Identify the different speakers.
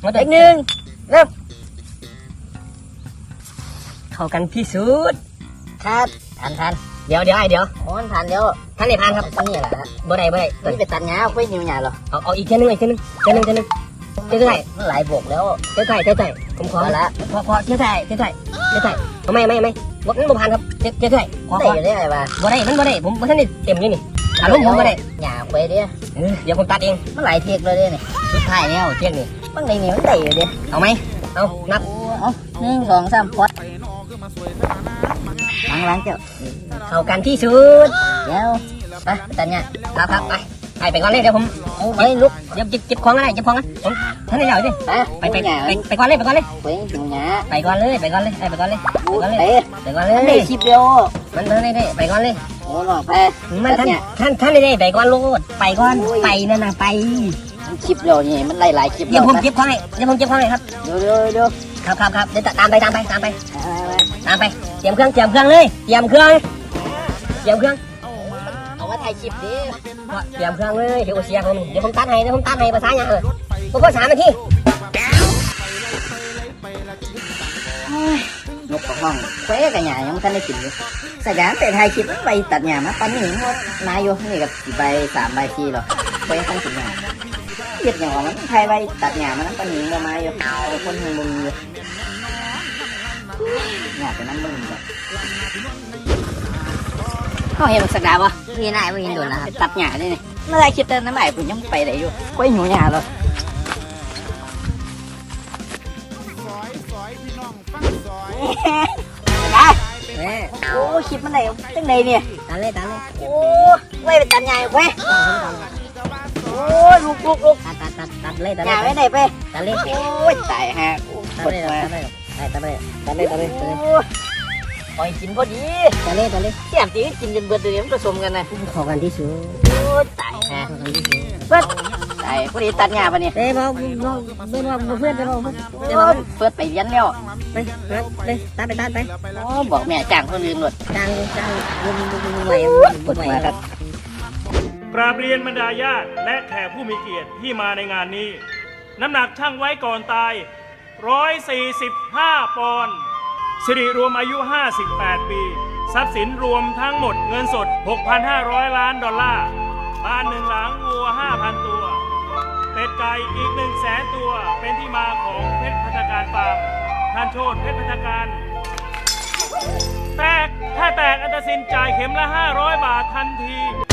Speaker 1: เด็กหนึ่งเริ่มเข้ากันที่สุดครับทันเดี๋ยวไอ้เดี๋ยวโอ้ทันเดี๋ยวท่านไหนพันครับนี่แหละบ่ได้นี่ไปตัดหญ้าไปนิ้วหญ้าเหรอเอาอีกแค่นึงเจ้าไก่มันหลายบกแล้วเจ้าไก่ผมขอละพอเจ้าไก่ไม่มันบ่พันครับเจ้าไก่ขอได้ไงวะบ่ได้มันบ่ได้ผมท่านนี่เต็มอยู่นี่อารมณ์ผมบ่ได้หญ้าไปเด้เดี๋ยวผมตัดเองมันหลายเทกเลยนี่สุดท้ายแล้วเทกนี่มันได้นี่มันได้อยู่ดิเอาไหมเอานับเอา1 2 3พอดล้างเจ้าเข้ากันที่สุดเดี๋ยวไปตัดเนี่ยครับไปก่อนเลยเดี๋ยวผมไปลุกเดี๋ยวเก็บของอะไรผมท่านได้ยาวดิไปก่อนเลยไปก่อนเลยไปก่อนเลยได้คลิปเดียวมันได้ไปก่อนเลยโอ้หลอกไปมันท่านได้ไปก่อนลูกไปก่อนไปนั่นนะไปคลิปเดียวนี่มันหลายคลิปเดี๋ยวผมเก็บของให้ครับเดี๋ยวครับเดี๋ยวตามไปเตรียมเครื่องเลยเอาว่าถ่ายคลิปดิเตรียมเครื่องเลยเดี๋ยวเสียผมเดี๋ยวผมตัดให้ภาษาอย่างผมก็3 นาทีนกของห้องแควกับหญ้ายังท่านได้กินอยู่สยามแต่ถ่ายคลิปไปตัดหญ้ามาปันนี่หมดนายอยู่นี่กับ4 ใบ 3 ใบ 4หรอแควท่านกินหญ้าเทียบอย่างมันถ่ายไปตัดหญ้ามันปันนี่มาอยู่คนหึงมึงอยู่หญ้าเป็นน้ำมึงแบบเขาเห็นสักดาวะมีนายไม่เห็นโดนนะครับตัดหญ้าได้เนี่ยเมื่อไรคิดเติมน้ำใหม่ผมยังไปได้อยู่กล้วยหนูหญ้าเลยโอ้คลิปมันไหนตั้งไหนเนี่ยตัดเลยโอ้ไว้เป็นตัดหญ้าเว้ยโอ้ลูกตัดเลยหญ้าไว้ไหนไปตัดเลยโอ้ยตายฮะตัดเลยปล่อยกินพอดีตัดเลยเสียบจีกินจนเบิดเลยมันผสมกันนะขอกันที่สุดโอ้ตายฮะเบิดตายพอดีตัดหญ้าปะเนี่ยเพื่อนเปิดไปเรียนแล้วไปตัดไปโอ้บอกแม่จ้างคนอื่นหมดจ้างไหวปวดหัวครับ
Speaker 2: กราบเรียนบรรดาญาติและแขกผู้มีเกียรติที่มาในงานนี้น้ำหนักชั่งไว้ก่อนตาย145 ปอนด์สิริรวมอายุ 58 ปี ทรัพย์สินรวมทั้งหมดเงินสด 6,500 ล้านดอลลาร์บ้าน1 หลังวัว 5,000 ตัวเป็ดไก่อีก 100,000 ตัวเป็นที่มาของเพชรพัฒการฟาร์มท่านโชติเพชรพัฒการถ้าแตกอันตรสินจ่ายเข็มละ500 บาททันที